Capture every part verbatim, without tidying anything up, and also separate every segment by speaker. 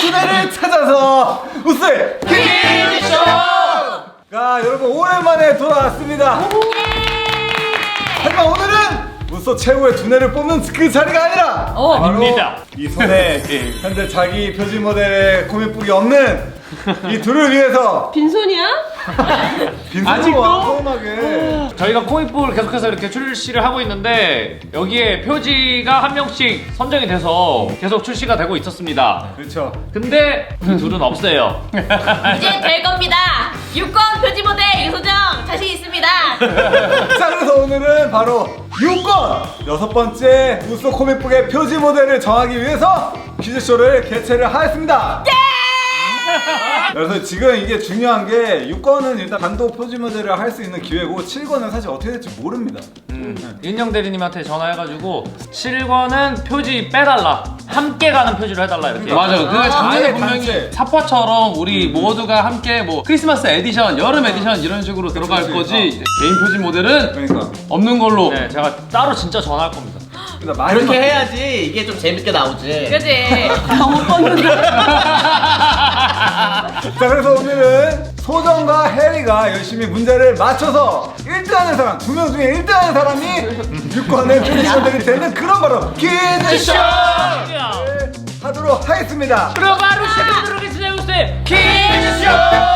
Speaker 1: 두뇌를 찾아서 우스 퀴즈쇼! 자, 여러분 오랜만에 돌아왔습니다. 하지만 오늘은 우소 최고의 두뇌를 뽑는 그 자리가 아니라
Speaker 2: 어.
Speaker 1: 바로
Speaker 2: 아닙니다.
Speaker 1: 이 손에 현재 자기 표지 모델의 코믹북이 없는 이 둘을 위해서
Speaker 3: 빈손이야?
Speaker 1: 빈손으로 소음하게
Speaker 2: 저희가 코믹북을 계속해서 이렇게 출시를 하고 있는데 여기에 표지가 한 명씩 선정이 돼서 계속 출시가 되고 있었습니다.
Speaker 1: 그렇죠.
Speaker 2: 근데 이 둘은 없어요.
Speaker 3: 이제 될 겁니다. 유권 표지 모델 유소정 자신 있습니다.
Speaker 1: 자, 그래서 오늘은 바로 육 권 여섯 번째 우소 코믹북의 표지 모델을 정하기 위해서 퀴즈쇼를 개최를 하였습니다. 그래서 지금 이게 중요한 게 육 권은 일단 단독 표지 모델을 할 수 있는 기회고 칠 권은 사실 어떻게 될지 모릅니다.
Speaker 2: 음, 윤영 대리님한테 전화해가지고 칠 권은 표지 빼달라, 함께 가는 표지로 해달라 이렇게.
Speaker 4: 맞아요. 그게 작년에
Speaker 1: 아예
Speaker 4: 분명히
Speaker 1: 단체.
Speaker 4: 사파처럼 우리 모두가 함께 뭐 크리스마스 에디션, 여름 에디션 이런 식으로 들어갈
Speaker 1: 그치.
Speaker 4: 거지 개인 표지 모델은
Speaker 1: 그러니까
Speaker 4: 없는 걸로.
Speaker 2: 네, 제가 따로 진짜 전화할 겁니다.
Speaker 1: 그러니까 마지막-
Speaker 5: 그렇게 해야지 이게 좀 재밌게 나오지.
Speaker 3: 그지? 못 떴는데.
Speaker 1: 자, 그래서 오늘은 소정과 해리가 열심히 문제를 맞춰서 일 등 하는 사람, 두 명 중에 일 등 하는 사람이 육 권의 표지 모델이 되는 그런 바로 퀴즈쇼! 하도록 하겠습니다.
Speaker 2: 그럼 바로 시작하도록 하겠습니다. 우세 퀴즈쇼!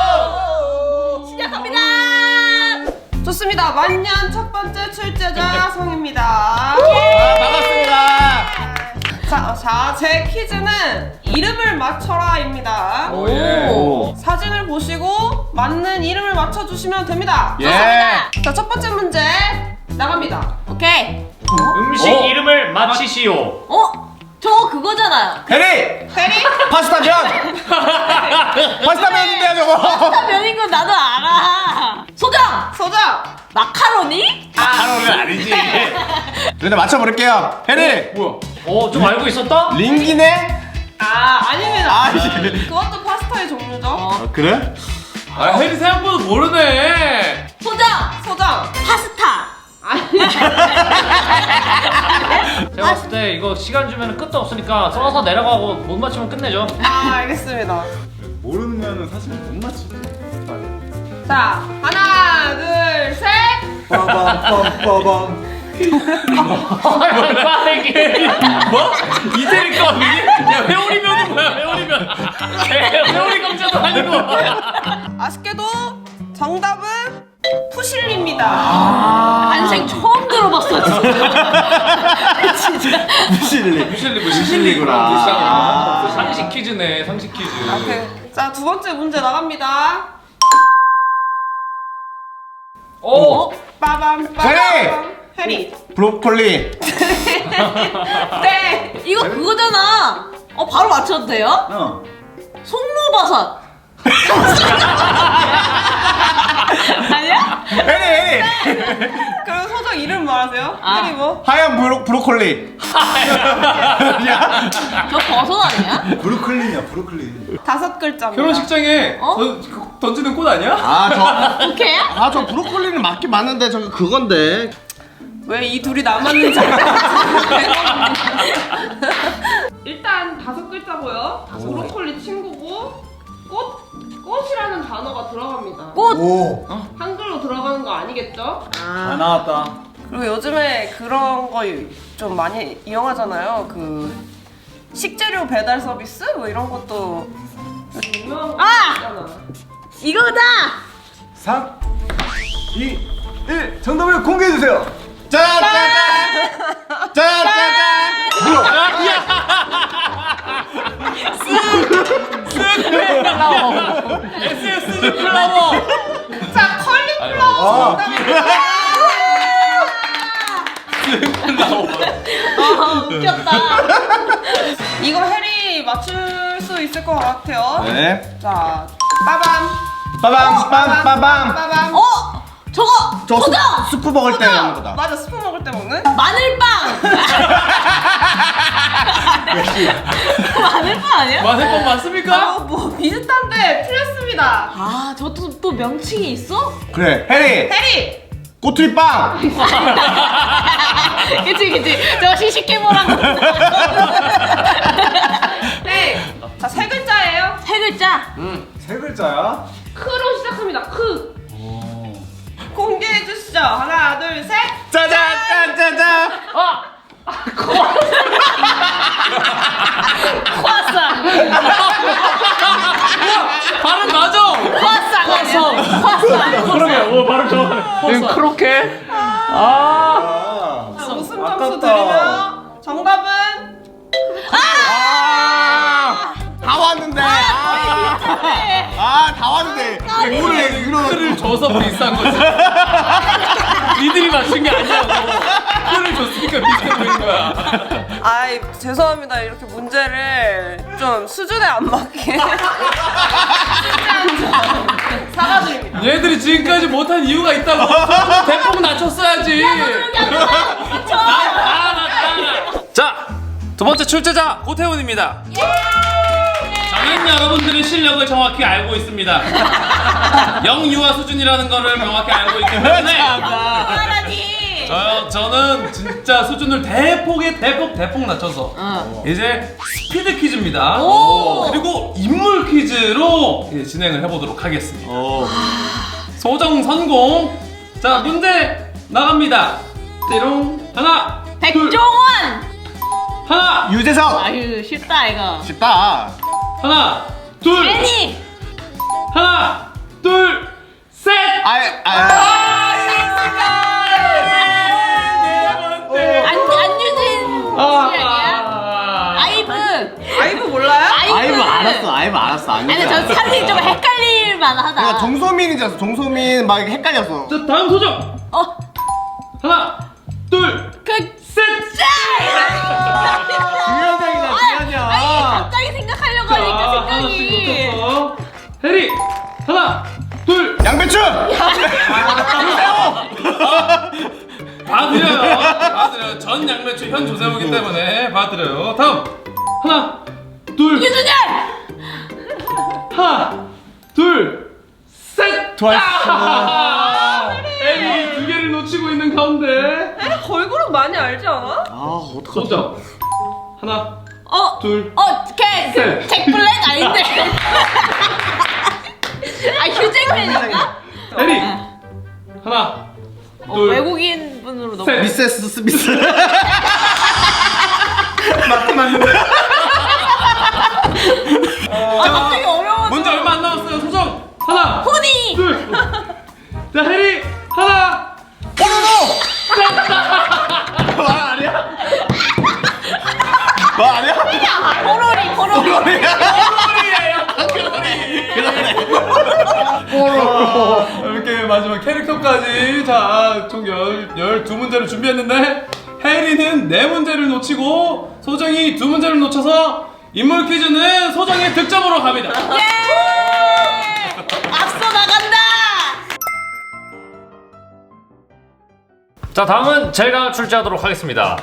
Speaker 3: 시작합니다.
Speaker 6: 좋습니다. 만년 첫 번째 출제자 성입니다.
Speaker 4: 아, 반갑습니다.
Speaker 6: 자, 자, 제 퀴즈는 이름을 맞춰라입니다.
Speaker 1: 오, 예.
Speaker 4: 오.
Speaker 6: 사진을 보시고 맞는 이름을 맞춰주시면 됩니다.
Speaker 4: 예.
Speaker 6: 자, 첫 번째 문제 나갑니다.
Speaker 3: 오케이.
Speaker 2: 음식
Speaker 4: 어?
Speaker 2: 이름을 맞히시오.
Speaker 3: 어? 저거 그거잖아.
Speaker 4: 해리!
Speaker 6: 해리?
Speaker 4: 파스타 면! 파스타 면인데요 저거!
Speaker 3: 파스타 면인 건 나도 알아. 소정!
Speaker 6: 소정!
Speaker 3: 마카로니?
Speaker 4: 하루는 아니지. 근데 맞춰버릴게요. 해리! 뭐야?
Speaker 2: 어, 좀 알고 있었다?
Speaker 4: 링기네?
Speaker 6: 아, 아닙니다.
Speaker 4: 아, 이제.
Speaker 6: 그것도 파스타의 종류죠.
Speaker 4: 아, 그래? 아, 해리 생각보다 모르네.
Speaker 3: 소정!
Speaker 6: 소정!
Speaker 3: 파스타!
Speaker 2: 제가 봤을 때 이거 시간 주면 끝도 없으니까 써서 내려가고 못 맞추면 끝내죠.
Speaker 6: 아, 알겠습니다.
Speaker 1: 모르면 사실 못 맞히지.
Speaker 6: 자, 하나, 둘, 셋!
Speaker 1: 빠밤 빠밤.
Speaker 2: 빠르게.
Speaker 4: 뭐? 이태리 거 아니니? 야, 회오리면은 뭐야, 회오리면.
Speaker 2: 회오리 감자도 아니고.
Speaker 6: 아쉽게도 정답은 푸실리입니다.
Speaker 3: 난생 처음 들어봤어, 진짜. 진짜.
Speaker 4: 무실리. 무실리, 무실리구나.
Speaker 2: 아, 상식 퀴즈네, 상식 퀴즈.
Speaker 6: 오케이. 자, 두 번째 문제 나갑니다.
Speaker 2: 오!
Speaker 6: 빠밤,
Speaker 4: 해리!
Speaker 6: 빠밤. 해리.
Speaker 4: 브로콜리.
Speaker 6: 네.
Speaker 3: 이거 그거잖아. 어, 바로 맞춰도 돼요?
Speaker 1: 어.
Speaker 3: 송로버섯. 아니야?
Speaker 4: 해리, 해리!
Speaker 6: 그럼 소정 이름 말하세요.
Speaker 3: 아.
Speaker 6: 해리 뭐?
Speaker 4: 하얀 브로, 브로콜리. 야,
Speaker 3: 저 버섯 아니야?
Speaker 1: 브루클린이야, 브루클린.
Speaker 6: 다섯 글자입니다.
Speaker 4: 결혼식장에
Speaker 3: 어?
Speaker 4: 던, 던지는 꽃 아니야?
Speaker 5: 아, 저,
Speaker 3: 오케이야?
Speaker 5: 아, 저 브로콜리는 맞긴 맞는데 저거 그건데.
Speaker 6: 왜 이 둘이 남았는지 알겠어요. 일단 다섯 글자고요. 브로콜리 친구고 꽃 꽃이라는 단어가 들어갑니다.
Speaker 3: 꽃!
Speaker 1: 오.
Speaker 6: 한글로 들어가는 거 아니겠죠?
Speaker 1: 다 나왔다.
Speaker 6: 그리고 요즘에 그런 거 좀 많이 이용하잖아요. 그 식재료 배달 서비스 뭐 이런 것도 요즘 유명한 거
Speaker 3: 아!
Speaker 6: 있잖아.
Speaker 3: 이거다!
Speaker 1: 삼, 이, 일. 정답을 공개해 주세요.
Speaker 4: 짜자잔! 짜자잔!
Speaker 2: 에스에스 플라워.
Speaker 6: 자, 컬리플라워 정답입니다.
Speaker 3: 아, 웃겼다.
Speaker 6: 이거 해리 맞출 수 있을 것 같아요.
Speaker 4: 네.
Speaker 6: 자, 빠밤.
Speaker 4: 빠밤, 빰, 빠밤.
Speaker 6: 빠밤.
Speaker 3: 어? 저거!
Speaker 5: 저
Speaker 3: 소정!
Speaker 5: 스, 스프 먹을 때 하는 거다.
Speaker 6: 맞아, 스프 먹을 때 먹는?
Speaker 3: 마늘빵! 마늘빵 아니야?
Speaker 4: 마늘빵 맞습니까?
Speaker 6: 어, 뭐 비슷한데 틀렸습니다.
Speaker 3: 아, 저것도 또 명칭이 있어?
Speaker 4: 그래, 해리!
Speaker 6: 해리!
Speaker 4: 꼬투리빵!
Speaker 3: 그치, 그치. 저거 시식해보라고.
Speaker 6: 네. 자, 세 글자의
Speaker 1: 글자야.
Speaker 6: 크로 시작합니다. 크. 공개해 주시죠. 하나, 둘, 셋.
Speaker 5: 짜잔 짠짜잔.
Speaker 2: 아!
Speaker 3: 코아상.
Speaker 4: 발음 맞아.
Speaker 3: 코아상 아니야? 코아상.
Speaker 2: 그러게, 오, 발음 좋아하네. 이거 크로켓? 아.
Speaker 6: 자, 웃음 점수
Speaker 1: 아깝다.
Speaker 6: 드리면 정답은
Speaker 5: 아, 다 왔는데. 아, 다 왔는데. 이거를 이거
Speaker 4: 틀을 줘서 비싼 거지. 니들이 맞춘 게 아니라고. 틀을 줬으니까 비싼 거인 거야.
Speaker 6: 아이 죄송합니다. 이렇게 문제를 좀 수준에 안 맞게 사과드립니다.
Speaker 4: 얘들이 지금까지 못한 이유가 있다고. 대폭 낮췄어야지. 자, 두 번째 출제자 고태훈입니다. 저는 여러분들의 실력을 정확히 알고 있습니다. 영유아 수준이라는 거를 명확히 알고 있기 때문에
Speaker 3: 말하니.
Speaker 4: 저, 저는 진짜 수준을 대폭에 대폭 대폭 낮춰서 이제 스피드 퀴즈입니다. 그리고 인물 퀴즈로 이제 진행을 해보도록 하겠습니다. 소정 선공. 자, 문제 나갑니다. 띠롱. 하나, 둘,
Speaker 3: 백종원.
Speaker 4: 하나,
Speaker 5: 유재석.
Speaker 3: 아유 쉽다 이거.
Speaker 5: 쉽다.
Speaker 4: 하나, 둘,
Speaker 3: 애니.
Speaker 4: 하나, 둘, 셋.
Speaker 5: 아이 아.
Speaker 3: 안 안유진 씨 아니야? 아이브.
Speaker 6: 아이브 몰라요?
Speaker 5: 아이브 알았어. 아이브 알았어.
Speaker 3: 아니 저 사실 좀 헷갈릴 만하다.
Speaker 5: 그러니까 정소민인 줄 알았어. 정소민 막 이렇게 헷갈렸어.
Speaker 4: 자, 다음 소정.
Speaker 3: 어.
Speaker 4: 하나, 둘,
Speaker 3: 그
Speaker 4: 셋.
Speaker 5: 주연장이다
Speaker 3: 아니
Speaker 5: 주연장.
Speaker 3: 갑자기 생각하려고
Speaker 4: 자,
Speaker 3: 하니까
Speaker 4: 하나씩
Speaker 3: 생각이.
Speaker 4: 놓쳐서 해리. 하나, 둘.
Speaker 5: 양배추.
Speaker 4: 봐드려요. 봐드려요. 전 양배추 현 조세호기 때문에 봐드려요. 다음. 하나, 둘.
Speaker 3: 유준열.
Speaker 4: 하나, 둘, 셋.
Speaker 5: 트와이스.
Speaker 4: 에미 두 개를 놓치고 있는 가운데.
Speaker 6: 걸그룹 많이 알지 않아?
Speaker 5: 아 어떡하지?
Speaker 4: 소정. 하나,
Speaker 3: 어.
Speaker 4: 둘.
Speaker 3: 어, 걔, 그,
Speaker 4: 셋.
Speaker 3: 잭 블랙 아닌데. 아, 휴잭맨인가?
Speaker 4: 해리. 하나,
Speaker 3: 어,
Speaker 4: 둘.
Speaker 3: 외국인 분으로 너무.
Speaker 4: 셋.
Speaker 5: 미세스 스미스.
Speaker 1: 맞긴 맞는데.
Speaker 3: 아, 갑자기 어려워.
Speaker 4: 문제 얼마 안 남았어요. 소정. 하나,
Speaker 3: 호니.
Speaker 4: 둘. 자, 해리. 하나.
Speaker 5: 말 아니야? 말 아니야?
Speaker 3: 호로리, 호로리.
Speaker 4: 이렇게 마지막 캐릭터까지 자, 총 열, 열두 문제를 준비했는데 해리는 네 문제를 놓치고 소정이 두 문제를 놓쳐서 인물 퀴즈는 소정의 득점으로 갑니다.
Speaker 3: 예! 앞서 나간다.
Speaker 2: 자, 다음은 제가 출제하도록 하겠습니다.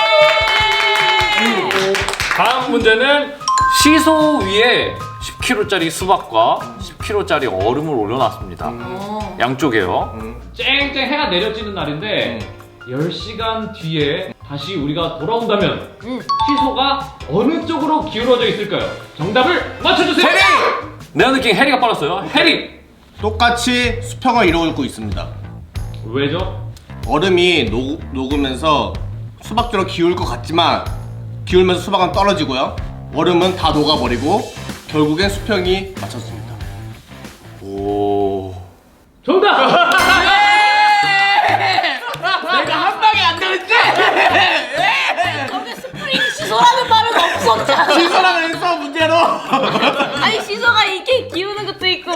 Speaker 2: 다음 문제는 시소 위에 십 킬로그램짜리 수박과 십 킬로그램짜리 얼음을 올려놨습니다. 양쪽에요. 쨍쨍 해가 내려지는 날인데 열 시간 뒤에 다시 우리가 돌아온다면 시소가 어느 쪽으로 기울어져 있을까요? 정답을 맞춰주세요.
Speaker 5: 해리!
Speaker 2: 내가 느낀 해리가 빨랐어요. 해리!
Speaker 5: 똑같이 수평을 이루고 있습니다.
Speaker 2: 왜죠?
Speaker 5: 얼음이 녹, 녹으면서 수박처럼 기울 것 같지만 기울면서 수박은 떨어지고요. 얼음은 다 녹아버리고 결국엔 수평이 맞췄습니다.
Speaker 2: 오.
Speaker 4: 정답!
Speaker 5: 내가 한 방에 안 되는지!
Speaker 3: 거기 스프링 시소라는 말은 없었잖아.
Speaker 5: 시소라고 했어 문제로!
Speaker 3: 아니, 시소가 이렇게 기우는 것도 있고.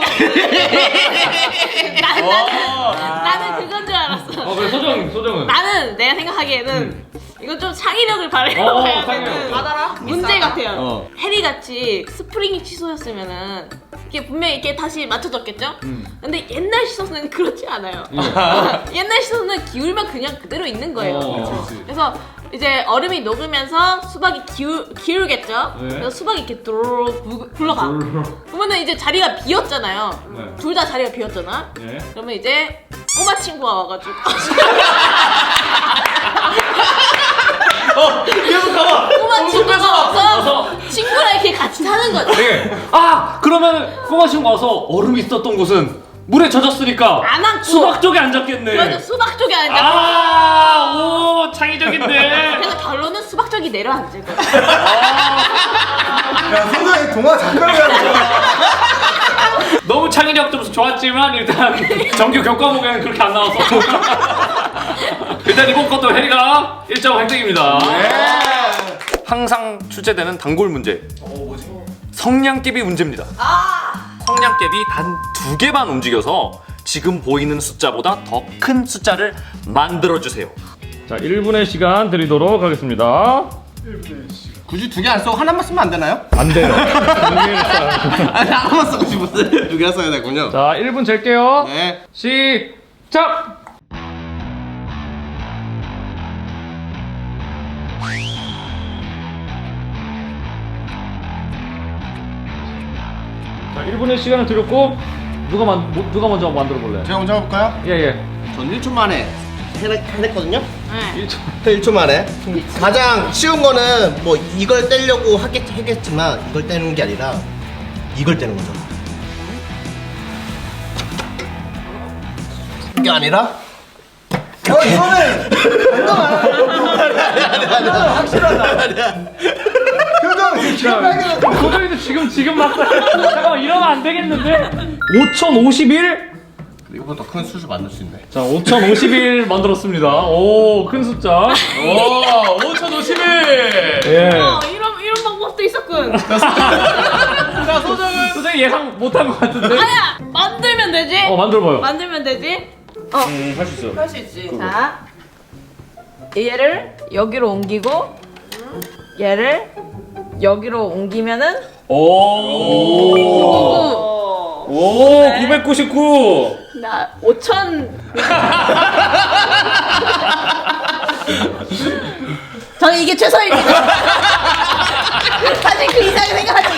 Speaker 3: 나는, 나는, 나는 그건 줄 알았어.
Speaker 2: 어, 그래, 소정, 소정은?
Speaker 3: 나는 내가 생각하기에는 이건 좀 창의력을
Speaker 2: 어,
Speaker 3: 발휘해야
Speaker 2: 창의력.
Speaker 3: 되는
Speaker 6: 받아라.
Speaker 3: 문제 같아요.
Speaker 5: 어.
Speaker 3: 해리 같이 스프링이 취소였으면은 이게 분명히 이렇게 다시 맞춰졌겠죠? 근데 옛날 시소는 그렇지 않아요. 옛날 시소는 기울면 그냥 그대로 있는 거예요.
Speaker 2: 어,
Speaker 3: 그래서 이제 얼음이 녹으면서 수박이 기울, 기울겠죠?
Speaker 2: 네.
Speaker 3: 그래서 수박이 이렇게 도로로 구- 굴러가. 그러면은 이제 자리가 비었잖아요.
Speaker 2: 네.
Speaker 3: 둘 다 자리가 비었잖아.
Speaker 2: 네.
Speaker 3: 그러면 이제 꼬마 친구가 와가지고
Speaker 4: 어, 계속 가봐.
Speaker 3: 꼬마 친구가 와서 친구랑 이렇게 같이 같이 사는 거죠.
Speaker 2: 네. 아 그러면 꼬마 친구 와서 얼음이 있었던 곳은 물에 젖었으니까
Speaker 3: 안 앉고.
Speaker 2: 수박 쪽에 앉았겠네.
Speaker 3: 그래도 수박 쪽에 앉아.
Speaker 2: 아, 오 창의적인데.
Speaker 3: 그래서 결론은 수박 쪽이 내려앉을 거야.
Speaker 1: 야, 소정이 동화 작가를 하는 거야.
Speaker 2: 너무 창의력 좀 좋았지만 일단 정규 교과목에는 그렇게 안 나와서 일단 이번 것도 해리가 일 점 획득입니다. 항상 출제되는 단골 문제. 성냥개비 문제입니다. 성냥개비 단 두 개만 움직여서 지금 보이는 숫자보다 더 큰 숫자를 만들어 주세요. 자, 일 분의 시간 드리도록 하겠습니다.
Speaker 5: 굳이 두 개 안 쓰고 하나만 쓰면 안 되나요?
Speaker 2: 안 돼요.
Speaker 5: 아니 하나만 쓰고 싶었어요. 두 개 써야 되군요.
Speaker 2: 자, 일 분 잴게요.
Speaker 5: 네.
Speaker 2: 시작! 자, 일 분의 시간을 드렸고 누가 만 뭐, 누가 먼저 만들어 볼래?
Speaker 5: 제가 먼저 해볼까요?
Speaker 2: 예, 예.
Speaker 5: 전 일 초 만에 해- 해냈거든요.
Speaker 3: 네.
Speaker 2: 일 초.
Speaker 5: 일 초 만에. 가장 쉬운 거는 뭐 이걸 떼려고 하겠, 하겠지만 이걸 떼는 게 아니라 이걸 떼는 거죠. 이게 아니라
Speaker 1: 어, 이거는 잠깐만. 확실하다. 표정 지금 빨개졌어.
Speaker 2: 도저히도 지금 지금 막 잠깐만 이러면 안 되겠는데? 오천오십일?
Speaker 5: 이거보다 더 큰 수술 만들 수 있네.
Speaker 2: 자, 오천오십일 만들었습니다. 오, 큰 숫자.
Speaker 4: 오 오천오십일.
Speaker 2: 예.
Speaker 3: 어, 이런 이런 방법도 있었군.
Speaker 4: 자 소정은
Speaker 2: 도저히 예상 못한 것 같은데?
Speaker 3: 아야, 만들면 되지.
Speaker 2: 어, 만들어봐요.
Speaker 3: 만들면 되지. 어,
Speaker 2: 음, 할 수 있어.
Speaker 6: 할 수 있지.
Speaker 3: 자, 얘를 여기로 옮기고 얘를 여기로 옮기면은
Speaker 2: 오.
Speaker 3: 오,
Speaker 2: 오, 구백구십구.
Speaker 3: 나 오천. 저는 이게 최선입니다. 사실 그 이상의 생각하지.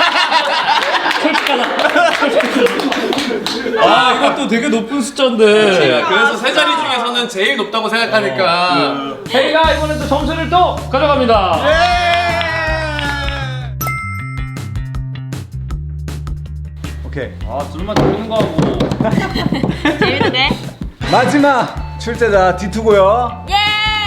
Speaker 2: 아, 이것도 되게 높은 숫자인데.
Speaker 4: 그래서 세 자리 중에서는 제일 높다고 생각하니까
Speaker 2: 혜리가 이번에 또 점수를 또 가져갑니다.
Speaker 1: 오케이.
Speaker 2: 아, 둘만 재밌는 거 하고.
Speaker 3: 재밌는데?
Speaker 1: 마지막 출제자 디투고요.
Speaker 3: 예!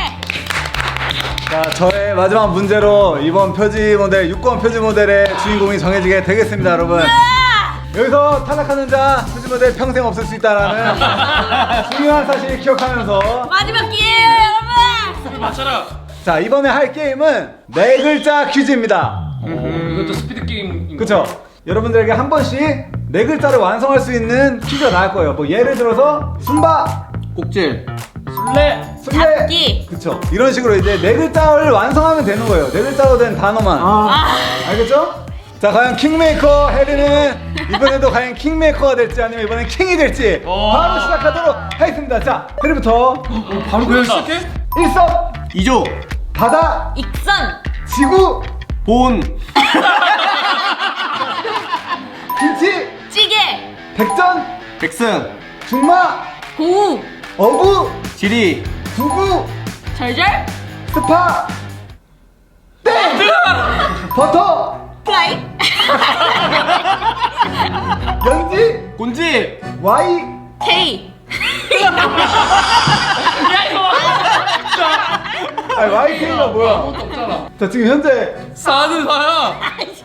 Speaker 1: 자, 저의 마지막 문제로 이번 표지 모델 육 권 표지 모델의 주인공이 정해지게 되겠습니다, 여러분. 여기서 탈락하는 자 표지 모델 평생 없을 수 있다라는 중요한 사실 기억하면서
Speaker 3: 마지막 기회예요, 여러분.
Speaker 4: 맞춰라.
Speaker 1: 자, 이번에 할 게임은 네 글자 퀴즈입니다.
Speaker 2: 이것도 스피드 게임.
Speaker 1: 그쵸? 여러분들에게 한 번씩 네 글자를 완성할 수 있는 퀴즈가 나올 거예요. 뭐 예를 들어서 순바,
Speaker 5: 꼭질.
Speaker 2: 술래.
Speaker 1: 술래,
Speaker 3: 잡기.
Speaker 1: 그쵸? 이런 식으로 이제 네 글자를 완성하면 되는 거예요. 네 글자로 된 단어만.
Speaker 3: 아,
Speaker 1: 알겠죠? 자, 과연 킹메이커 해리는 이번에도 과연 킹메이커가 될지 아니면 이번엔 킹이 될지 바로 시작하도록 하겠습니다. 자, 해리부터
Speaker 4: 바로 그냥 시작해?
Speaker 1: 일섭,
Speaker 5: 이조.
Speaker 1: 바다,
Speaker 3: 익선.
Speaker 1: 지구,
Speaker 5: 본.
Speaker 1: 김치,
Speaker 3: 찌개.
Speaker 1: 백전,
Speaker 5: 백승.
Speaker 1: 중마,
Speaker 3: 고우.
Speaker 1: 어구,
Speaker 5: 지리.
Speaker 1: 두구,
Speaker 3: 절절.
Speaker 1: 스파, 땡! 버터,
Speaker 3: 플라이.
Speaker 1: 연지,
Speaker 5: 곤지.
Speaker 1: 와이,
Speaker 3: K.
Speaker 1: 아니 와이케이가 뭐야? 자, 지금 현재
Speaker 4: 사는 사야.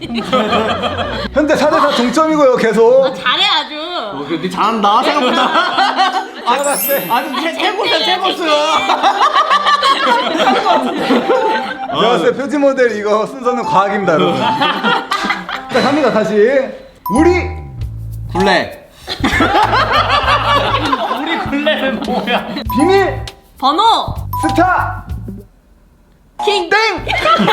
Speaker 1: 현재 사 대 사 동점이고요, 계속.
Speaker 3: 잘해 아주.
Speaker 5: 니 잘한다 생각보다.
Speaker 1: 제가 봤을 때
Speaker 5: 아니 최고야 최고수야.
Speaker 1: 제가 봤을 때 표지 모델 이거 순서는 과학입니다, 여러분. 자, 갑니다, 다시. 우리
Speaker 5: 굴레.
Speaker 2: 우리 굴레는 뭐야?
Speaker 1: 비밀
Speaker 3: 번호.
Speaker 1: 스타
Speaker 3: 킹.
Speaker 1: 땡!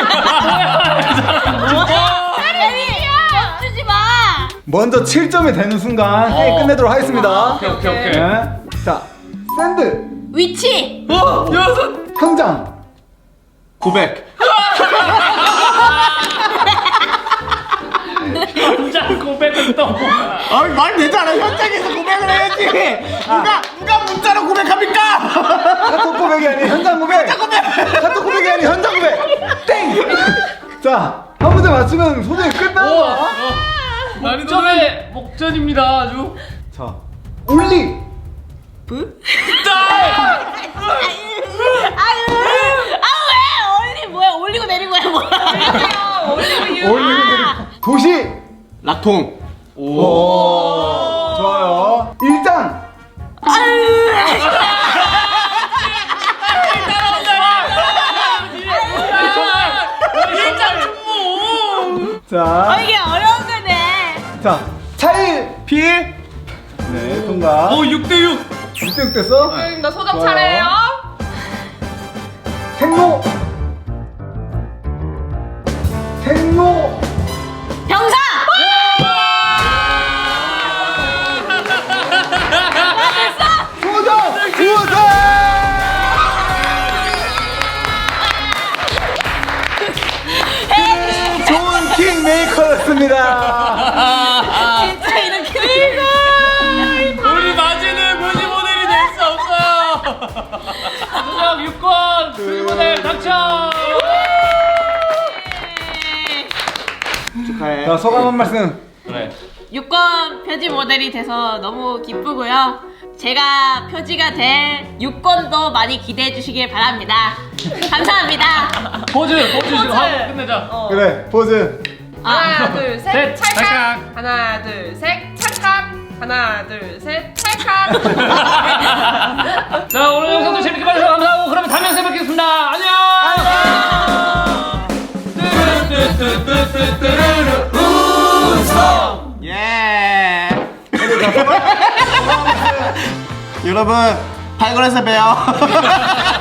Speaker 3: 사람이야. 주지 마.
Speaker 1: 먼저 칠 점이 되는 순간 회의 끝내도록 하겠습니다.
Speaker 2: 오케이, 오케이, 오케이.
Speaker 1: 네. 자, 샌드
Speaker 3: 위치.
Speaker 4: 어 여섯.
Speaker 1: 현장
Speaker 5: 고백.
Speaker 2: 혼자 고백은 또 뭐야?
Speaker 5: 아니 말 되잖아. 현장에서 고백을 해야지. 누가 누가 문자로 고백합니까?
Speaker 1: 카톡 고백이 아닌 현장 고백. 현장 고백. 카톡 고백이 아닌 현장 고백. 땡. 자, 한 번 문제 맞추면 소정이 끝나는 거야.
Speaker 2: 목전의 목전입니다 아주.
Speaker 1: 자, 올리.
Speaker 3: 브? 아유, 아유 왜? 올리 뭐야? 올리고 내린 거야 뭐야?
Speaker 6: 올리브 유.
Speaker 1: 올리고 내리. 도시.
Speaker 5: 락통.
Speaker 1: 오. 좋아요. 일장. 자,
Speaker 3: 어, 이게 어려운 거네.
Speaker 1: 자, 차일. 필. 네, 통과.
Speaker 4: 오 육 대 육.
Speaker 1: 육 대 육 됐어?
Speaker 6: 나 소정
Speaker 1: 좋아요.
Speaker 6: 차례예요.
Speaker 1: 생로. 생로.
Speaker 3: 병사.
Speaker 1: 소정. 우승. 좋은 킹메이커였습니다.
Speaker 3: 진짜 이렇게.
Speaker 2: 우리 마지는 표지 모델이 될 수 없어요. 수정 육 권 표지 모델 당첨.
Speaker 5: 축하해.
Speaker 1: 자, 소감 한 말씀.
Speaker 2: 그래.
Speaker 3: 육 권 표지 모델이 돼서 너무 기쁘고요. 제가 표지가 될 육 권도 많이 기대해 주시길 바랍니다. 감사합니다.
Speaker 2: 포즈 포즈 지금 하고 끝내자.
Speaker 1: 그래, 포즈.
Speaker 6: 하나 둘 셋
Speaker 2: 셋,
Speaker 6: 찰칵.
Speaker 2: 찰칵.
Speaker 6: 하나 둘 셋 찰칵. 하나 둘 셋 찰칵.
Speaker 2: 자 오늘 영상도 재밌게 봐주셔서 감사하고 그러면 다음 영상에 뵙겠습니다. 안녕.
Speaker 5: 예. 여러분 발걸에서 봬요.